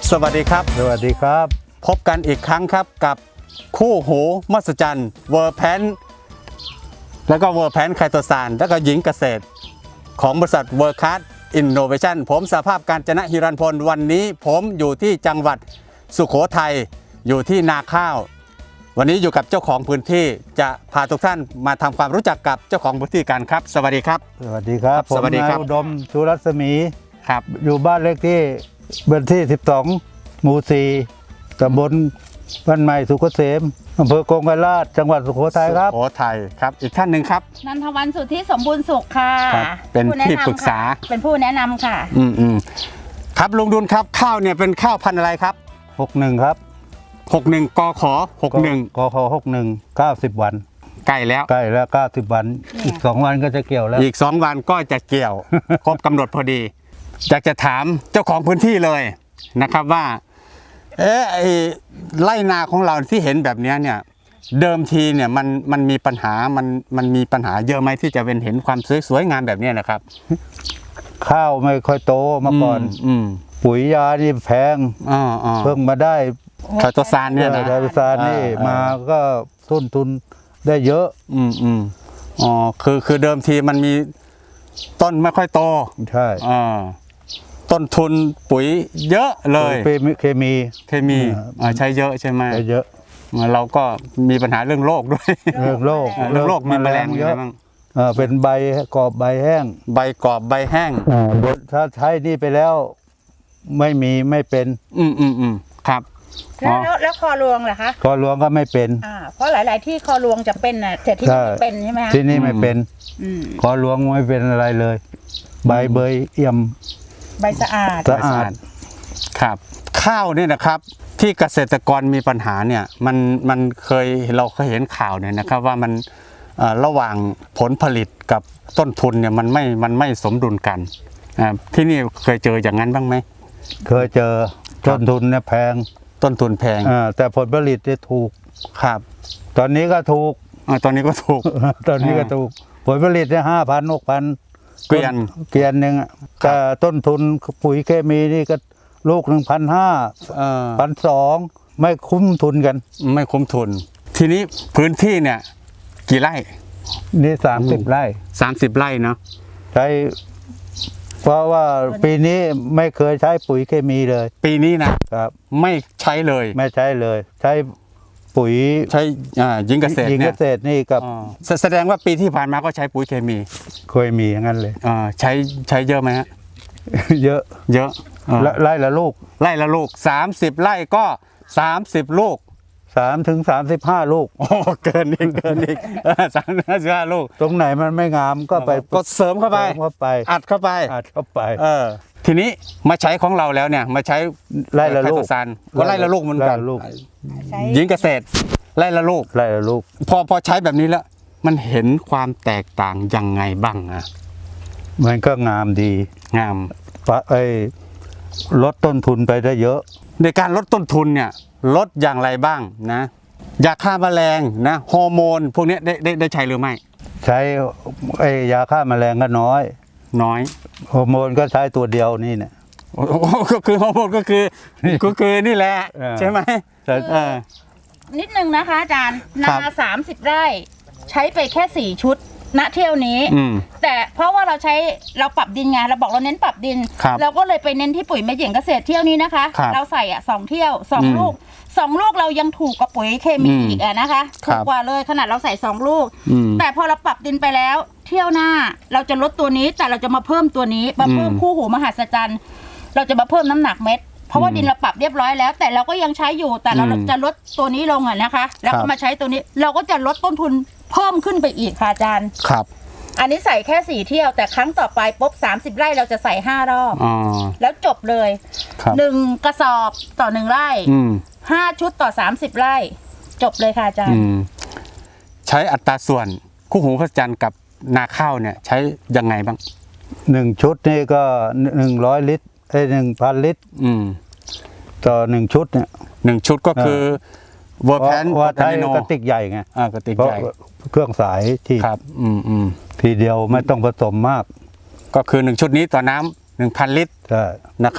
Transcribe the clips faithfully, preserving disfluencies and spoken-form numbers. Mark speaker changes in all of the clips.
Speaker 1: สวัสดีครับ
Speaker 2: สวัสดีครับ
Speaker 1: พบกันอีกครั้งครับกับคู่หูมหัศจรรย์เวอร์แพนแล้วก็เวอร์แพนไคโตซานแล้วก็หญิงเกษตรของบริษัทเวอร์คัสอินโนเวชันผมสภาพการจนะฮิรันพลวันนี้ผมอยู่ที่จังหวัดสุโขทัยอยู่ที่นาข้าววันนี้อยู่กับเจ้าของพื้นที่จะพาทุกท่านมาทำความรู้จักกับเจ้าของพื้นที่กันครับสวัสดีครับ
Speaker 2: สวัสดีครับ
Speaker 1: สวัสดีครับ
Speaker 2: ผมนายอุดมชูรัศมี
Speaker 1: ครับ
Speaker 2: อยู่บ้านเลขที่เบอร์ที่สิบสองหมู่สี่ตำบลบ้านใหม่สุขเกษมอำเภอกงไกรลาชจังหวัดสุโขทัยครับ
Speaker 1: สุโขทัยครับอีกท่านหนึ่งครับ
Speaker 3: นันทวรรณสุทธิสมบูรณ์สุขค่ะ
Speaker 1: เป็นที่ปรึกษา
Speaker 3: เป็นผู้แนะนำค่ะ
Speaker 1: อืมอืมครับลุงดุลครับข้าวเนี่ยเป็นข้าวพันธุ์อะไรครับ
Speaker 2: หกหนึ่งครับ
Speaker 1: หกหนึ่งกขหกหนึ่ง
Speaker 2: กขหกหนึ่งเก้าสิบวัน
Speaker 1: ใกล้แล้ว
Speaker 2: ใกล้แล้วเก้าสิบวันอีกสองวันก็จะเกี่ยวแล้ว
Speaker 1: อีกสองวันก็จะเกี่ยว ครบกำหนดพอดีอยากจะถามเจ้าของพื้นที่เลยนะครับว่าเอ๊ะไอ้ไร่นาของเราที่เห็นแบบนี้เนี่ยเดิมทีเนี่ยมันมันมีปัญหามันมันมีปัญหาเยอะไหมที่จะเป็นเห็นความสวยสวยงามแบบนี้นะครับ
Speaker 2: ข้าวไม่ค่อยโตมาก่อน
Speaker 1: อืม
Speaker 2: ปุ๋ยยานี่แพง
Speaker 1: อ๋อ
Speaker 2: เพิ่งมาได้
Speaker 1: ไคโตซานเนี่ยนะ
Speaker 2: ไคโตซานนี่มาก็ต้นทุนได้เยอะ
Speaker 1: อืมอืมอ๋อคือคือเดิมทีมันมีต้นไม่ค่อยโต
Speaker 2: ใช่
Speaker 1: อ่าต้นทุนปุ๋ยเยอะเลย
Speaker 2: เคมี
Speaker 1: เคมีใช้เยอะใช่ไหม
Speaker 2: ใช้เยอะ
Speaker 1: เราก็มีปัญหาเรื่องโรคด้วย
Speaker 2: เรื่องโรค
Speaker 1: เรื่องโรคมีแมลงเยอะ
Speaker 2: เป็นใบกรอบใบแห้ง
Speaker 1: ใบกรอบใบแห้ง
Speaker 2: ถ้าใช้นี่ไปแล้วไม่มีไม่เป็น
Speaker 1: อืมอืมอืมครับ
Speaker 3: แล้วแล้วคอรวงเหรอคะ
Speaker 2: คอรวงก็ไม่เป็น
Speaker 3: อ่าเพราะหลายๆที่คอรวงจะเป็นน่ะแต่ที่นี่เป็นใช่ไหมคะ
Speaker 2: ที่นี่ไม่เป็นคอรวงไม่เป็นอะไรเลยใบเบยเอี่ยม
Speaker 3: ใบสะอาด
Speaker 2: สะอาด
Speaker 1: ครับข้าวเนี่ยนะครับที่เกษตรกรมีปัญหาเนี่ยมันมันเคยเราเคยเห็นข่าวเนี่ยนะครับว่ามันระหว่างผลผลิตกับต้นทุนเนี่ยมันไม่มันไม่สมดุลกันที่นี่เคยเจออย่างนั้นบ้างไหม
Speaker 2: เคยเจอต้นทุนเนี่ยแพง
Speaker 1: ต้นทุนแพง
Speaker 2: แต่ผลผลิตเนี่ยถูก
Speaker 1: ครับ
Speaker 2: ตอนนี้ก็ถูก
Speaker 1: ตอนนี้ก็ถูก
Speaker 2: ตอนนี้ก็ถูกผลผลิตเนี่ยห้าพันหกพัน
Speaker 1: เกวียน
Speaker 2: เกวียนหนึ่งแต่ต้นทุนปุ๋ยเคมีนี่ก็ลูกหนึ่งพันห้าพันสองไม่คุ้มทุนกัน
Speaker 1: ไม่คุ้มทุนทีนี้พื้นที่เนี่ยกี่ไร่
Speaker 2: นี่สามสิบไร่
Speaker 1: สามสิบไร่เนาะ
Speaker 2: ใช้เพราะว่าปีนี้ไม่เคยใช้ปุ๋ยเคมีเลย
Speaker 1: ปีนี้นะครับไม่ใช้เลย
Speaker 2: ไม่ใช้เลยใช้ปุ๋ย
Speaker 1: ใช้หญิงเกษตร
Speaker 2: หญิงเกษตรนี่กับ
Speaker 1: แสดงว่าปีที่ผ่านมาก็ใช้ปุ๋ยเคมี
Speaker 2: เคยมีอย่างนั้นเลย
Speaker 1: ใช้ใช้เยอะไหมฮะ
Speaker 2: เยอะ
Speaker 1: เยอะ
Speaker 2: ไร่ละลูก
Speaker 1: ไร่ละลูกสามสิบไร่ก็สามสิบลูก
Speaker 2: สามถึงสามสิบห้าลูก
Speaker 1: โอ้เกินอีกเกินอีกสามถึงห้าลูก
Speaker 2: ตรงไหนมันไม่งามก็ไป
Speaker 1: ก็เสริมเข้าไป
Speaker 2: เข้าไป
Speaker 1: อัดเข้าไป
Speaker 2: อัดเข้าไป
Speaker 1: เออทีนี้มาใช้ของเราแล้วเนี่ยมาใช้
Speaker 2: ไร่ละลูก
Speaker 1: ก็ไร่ละลูกเหมือนกันหญิงเกษตรไร่ละลูก
Speaker 2: ไร่ละลูก
Speaker 1: พอพอใช้แบบนี้แล้วมันเห็นความแตกต่างยังไงบ้างอะ
Speaker 2: มันก็งามดี
Speaker 1: งาม
Speaker 2: ปะไอ้ลดต้นทุนไปได้เยอะ
Speaker 1: ในการลดต้นทุนเนี่ยลดอย่างไรบ้างนะยาฆ่าแมลงนะฮอร์โมนพวกนี้ได้ได้ได้ใช้หรือไม่
Speaker 2: ใช้ไอ้ยาฆ่าแมลงก็น้อย
Speaker 1: น้อย
Speaker 2: ฮอร์โมนก็ใช้ตัวเดียวนี่เนี่ย
Speaker 1: ก็คือฮอร์โมนก็คือก็คือนี่แหละใช่ไหม
Speaker 3: นิดนึงนะคะอาจารย์นาสามสิบไร่ใช้ไปแค่สี่ชุดณเที่ยวนี้แต่เพราะว่าเราใช้เราปรับดินไงเราบอกเราเน้นปรับดินเราก็เลยไปเน้นที่ปุ๋ยแม่หญิงเกษตรเที่ยวนี้นะคะเราใส่อ่ะสองเที่ยวสองลูกสองลูกเรายังถูกกว่าปุ๋ยเคมีอีกอ่ะนะคะถูกกว่าเลยขนาดเราใส่สองลูกแต่พอเราปรับดินไปแล้วเที่ยวหน้าเราจะลดตัวนี้แต่เราจะมาเพิ่มตัวนี้มาเพิ่มคู่หูมหัศจรรย์เราจะมาเพิ่มน้ำหนักเม็ดเพราะว่าดินเราปรับเรียบร้อยแล้วแต่เราก็ยังใช้อยู่แต่เราจะลดตัวนี้ลงอ่ะนะคะแล้วก็มาใช้ตัวนี้เราก็จะลดต้นทุนเพิ่มขึ้นไปอีกค่ะอาจารย์
Speaker 1: ครับ
Speaker 3: อันนี้ใส่แค่สี่เที่ยวแต่ครั้งต่อไปปุ๊บสามสิบไร่เราจะใส่ห้ารอบแล้วจบเลยหนึ่งกระสอบต่อหนึ่งไร่ห้าชุดต่อสามสิบไร่จบเลยค่ะอาจารย์
Speaker 1: ใช้อัตราส่วนคู่หูมหัศจรรย์กับนาข้าวเนี่ยใช้ยังไงบ้าง
Speaker 2: หนึ่งชุดนี่ก็หนึ่งร้อยลิตรไอ้หนึ่งพันลิตรต่อหนึ่งชุดเนี่ย
Speaker 1: หนึ่งชุดก็คือเวอร์แพน
Speaker 2: ว่าใช้กระติกใหญ่ไง
Speaker 1: อ่ากระติกใหญ่
Speaker 2: เครื่องสายที่
Speaker 1: ครับอืมอืม
Speaker 2: ทีเดียวไม่ต้องผสมมาก
Speaker 1: ก็คือหนึ่งชุดนี้ต่อน้ำหนึ่งพันลิตรนะครับ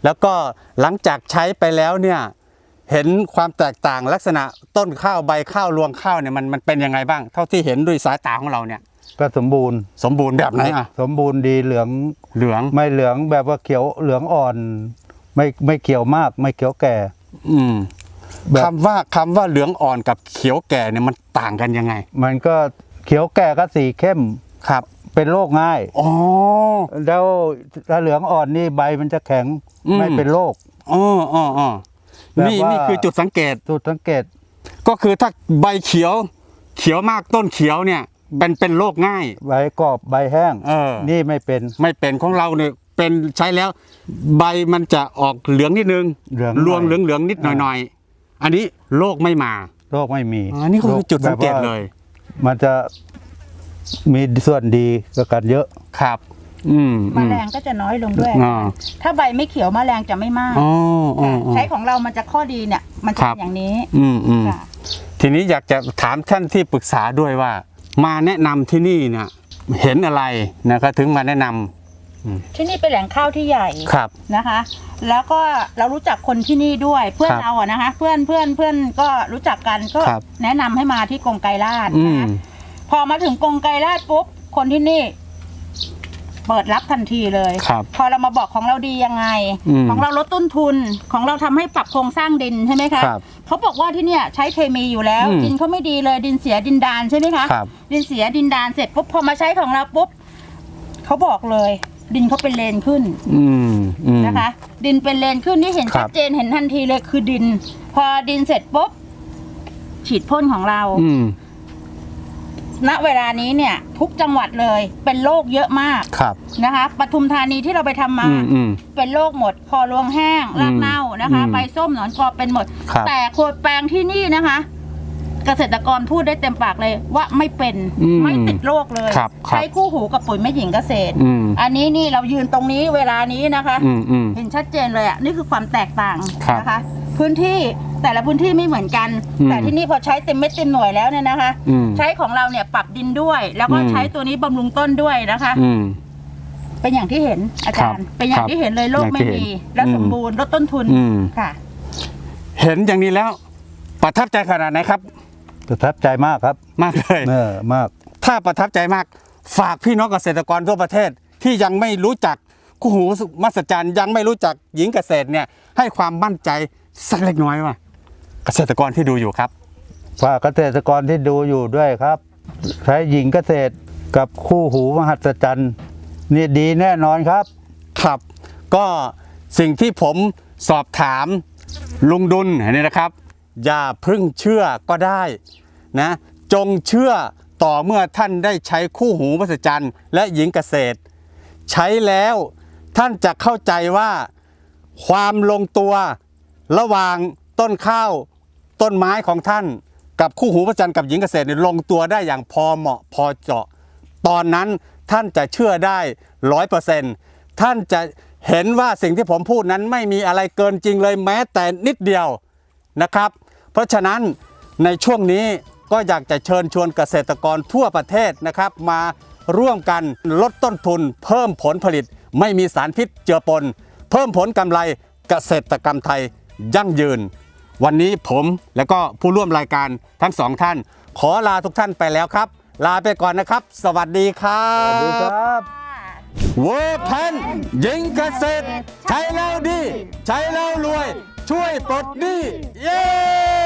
Speaker 1: แล้วก็หลังจากใช้ไปแล้วเนี่ยเห็นความแตกต่างลักษณะต้นข้าวใบข้าวรวงข้าวเนี่ยมันมันเป็นยังไงบ้างเท่าที่เห็นด้วยสายตาของเราเนี่ย
Speaker 2: ก็สมบูรณ์
Speaker 1: สมบูรณ์แบบไหนอ่ะ
Speaker 2: สมบูรณ์ดีเหลือง
Speaker 1: เหลือง
Speaker 2: ไม่เหลืองแบบว่าเขียวเหลืองอ่อน ไม่ไม่เขียวมากไม่เขียวแก่
Speaker 1: อืม
Speaker 2: แบบ
Speaker 1: คำว่าคำว่าเหลืองอ่อนกับเขียวแก่เนี่ยมันต่างกันยังไง
Speaker 2: มันก็เขียวแก่ก็สีเข้ม
Speaker 1: ครับ
Speaker 2: เป็นโรคง่าย
Speaker 1: อ๋อ
Speaker 2: แล้วถ้าเหลืองอ่อนนี่ใบมันจะแข็ง
Speaker 1: อืม
Speaker 2: ไม่เป็นโรค
Speaker 1: อ๋ออ๋ออ๋อ
Speaker 2: แบบ
Speaker 1: นี่
Speaker 2: ว่านี่
Speaker 1: นี่คือจุดสังเกต
Speaker 2: จุดสังเกต
Speaker 1: ก็คือถ้าใบเขียวเขียวมากต้นเขียวเนี่ยเป็นเป็นโรคง่าย
Speaker 2: ใบกรอบใบแห้ง
Speaker 1: เออ
Speaker 2: นี่ไม่เป็น
Speaker 1: ไม่เป็นของเราเนี่ยเป็นใช้แล้ว ใบมันจะออกเหลืองนิดนึง
Speaker 2: เหลือง
Speaker 1: รวง
Speaker 2: หน่อย
Speaker 1: เหลืองเหลืองนิดหน่อยหน่อยอันนี้โรคไม่มา
Speaker 2: โรคไม่มี
Speaker 1: อันนี้ก็คือจุดสังเกตเลย
Speaker 2: มันจะมีส่วนดีกับกันเยอะ
Speaker 1: ครับ อืม
Speaker 3: แมลงก็จะน้อยลงด้วย
Speaker 1: อ่า
Speaker 3: ถ้าใบไม่เขียวแมลงจะไม่มาก
Speaker 1: อ๋ออ๋ออ๋อ
Speaker 3: ใช้ของเรามันจะข้อดีเนี่ย มันจะ
Speaker 1: ครั
Speaker 3: เป็
Speaker 1: บ
Speaker 3: นอย่างนี้
Speaker 1: อืมอืม
Speaker 3: ค่ะ
Speaker 1: ทีนี้อยากจะถามท่านที่ปรึกษาด้วยว่า มาแนะนำที่นี่เนี่ยเห็นอะไรนะครับถึงมาแนะนำ
Speaker 3: ที่นี่เป็นแหล่งข้าวที่ใหญ่
Speaker 1: ครับ
Speaker 3: นะคะ แล้วก็เรารู้จักคนที่นี่ด้วยเพื่อน
Speaker 1: ครับ
Speaker 3: เราอะนะคะ เพื่อนเพื่อนเพื่อนก็รู้จักกันก็
Speaker 1: ครับ
Speaker 3: แนะนำให้มาที่กรงไกรลาด
Speaker 1: อื
Speaker 3: นะ
Speaker 1: ม
Speaker 3: คะพอมาถึงกรงไกรลาดปุ๊บคนที่นี่ เปิดรับทันทีเลย
Speaker 1: ครับ
Speaker 3: พอเรามาบอกของเราดียังไง
Speaker 1: อืม
Speaker 3: ของเราลดต้นทุนของเราทำให้ปรับโครงสร้างดินใช่ไหมคะ
Speaker 1: ครับ
Speaker 3: เขาบอกว่าที่เนี่ยใช้เคมีอยู่แล้ว
Speaker 1: อืม
Speaker 3: ดินเขาไม่ดีเลยดินเสียดินดานใช่ไหมคะ
Speaker 1: ครับ
Speaker 3: ดินเสียดินดานเสร็จปุ๊บพอมาใช้ของเราปุ๊บเขาบอกเลย ดินเขาเป็นเลนขึ้น
Speaker 1: อืมอืม
Speaker 3: นะคะ ดินเป็นเลนขึ้นที่เห็น
Speaker 1: ครั
Speaker 3: ชั
Speaker 1: บ
Speaker 3: ดเจนเห็นทันทีเลยคือดิน พอดินเสร็จปุ๊บฉีดพ่นของเรา
Speaker 1: อืม
Speaker 3: ณเวลานี้เนี่ยทุกจังหวัดเลยเป็นโรคเยอะมาก
Speaker 1: ครับ
Speaker 3: นะคะปทุมธานีที่เราไปทำมา
Speaker 1: อืมอืม
Speaker 3: เป็นโรคหมด คอรวงแห้งรากเน่านะคะ
Speaker 1: อืม
Speaker 3: ใบส้มหนอนกอเป็นหมด
Speaker 1: ครับ
Speaker 3: แต่โคดแปลงที่นี่นะคะ เกษตรกรพูดได้เต็มปากเลยว่าไม่เป็น
Speaker 1: อืม
Speaker 3: ไม่ติดโรคเลย
Speaker 1: ครับครับ
Speaker 3: ใช้คู่หูกับปุ๋ยแม่หญิงเกษตร
Speaker 1: อืม
Speaker 3: อันนี้นี่เรายืนตรงนี้เวลานี้นะคะ
Speaker 1: อืมอืม
Speaker 3: เห็นชัดเจนเลยอ่ะนี่คือความแตกต่าง
Speaker 1: ครับ
Speaker 3: นะคะ พื้นที่แต่ละพื้นที่ไม่เหมือนกัน
Speaker 1: อืม
Speaker 3: แต่ที่นี่พอใช้เต็มเม็ดเต็มหน่วยแล้วเนี่ยนะคะ
Speaker 1: อืม
Speaker 3: ใช้ของเราเนี่ยปรับดินด้วย แล้วก็
Speaker 1: อืม
Speaker 3: ใช้ตัวนี้บำรุงต้นด้วยนะคะ
Speaker 1: อืม
Speaker 3: เป็นอย่างที่เห็นอาจารย์
Speaker 1: ครับ
Speaker 3: เป็นอย่างที่เห็นเลยโรค
Speaker 1: อย่าง
Speaker 3: ไม่
Speaker 1: ที่เห็น
Speaker 3: มีและ
Speaker 1: อืม
Speaker 3: สมบูรณ์ลดต้นทุน
Speaker 1: อืม
Speaker 3: ค่ะ
Speaker 1: เห็นอย่างนี้แล้ว ประทับใจขนาดไหนครับ
Speaker 2: ประทับใจมากครับ
Speaker 1: มากเลย
Speaker 2: เออมาก
Speaker 1: ถ้าประทับใจมากฝากพี่น้องเกษตรกรทั่วประเทศที่ยังไม่รู้จักคู่หูมหัศจรรย์ยังไม่รู้จักหญิงเกษตรเนี่ยให้ความมั่นใจสักเล็กน้อยว่า เกษตรกรที่ดูอยู่ครับ
Speaker 2: ฝากเกษตรกรที่ดูอยู่ด้วยครับ ใช้หญิงเกษตรกับคู่หูมหัศจรรย์นี่ดีแน่นอนครับ
Speaker 1: ครับ ก็สิ่งที่ผมสอบถามลุงดุลเนี่ยนะครับ อย่าเพึ่งเชื่อก็ได้นะจงเชื่อต่อเมื่อท่านได้ใช้คู่หูมหัศจรรย์และหญิงเกษตร ใช้แล้วท่านจะเข้าใจว่าความลงตัวระหว่างต้นข้าวต้นไม้ของท่าน กับคู่หูมหัศจรรย์กับหญิงเกษตรเนี่ยลงตัวได้อย่างพอเหมาะพอเจาะ ตอนนั้นท่านจะเชื่อได้ร้อยเปอร์เซ็นต์ท่านจะเห็นว่าสิ่งที่ผมพูดนั้นไม่มีอะไรเกินจริงเลยแม้แต่นิดเดียวนะครับ เพราะฉะนั้นในช่วงนี้ก็อยากจะเชิญชวนเกษตรกรทั่วประเทศนะครับ มาร่วมกันลดต้นทุน เพิ่มผลผลิต ไม่มีสารพิษเจือปน เพิ่มผลกำไรเกษตรกรรมไทยยั่งยืน วันนี้ผมและก็ผู้ร่วมรายการทั้งสองท่าน ขอลาทุกท่านไปแล้วครับ ลาไปก่อนนะครับ สวัสดีครับ
Speaker 2: สวัสดีครับ
Speaker 1: เวอร์แพนหญิงเกษตร ใช้แล้วดี ใช้แล้วรวย ช่วยปลดหนี้เย้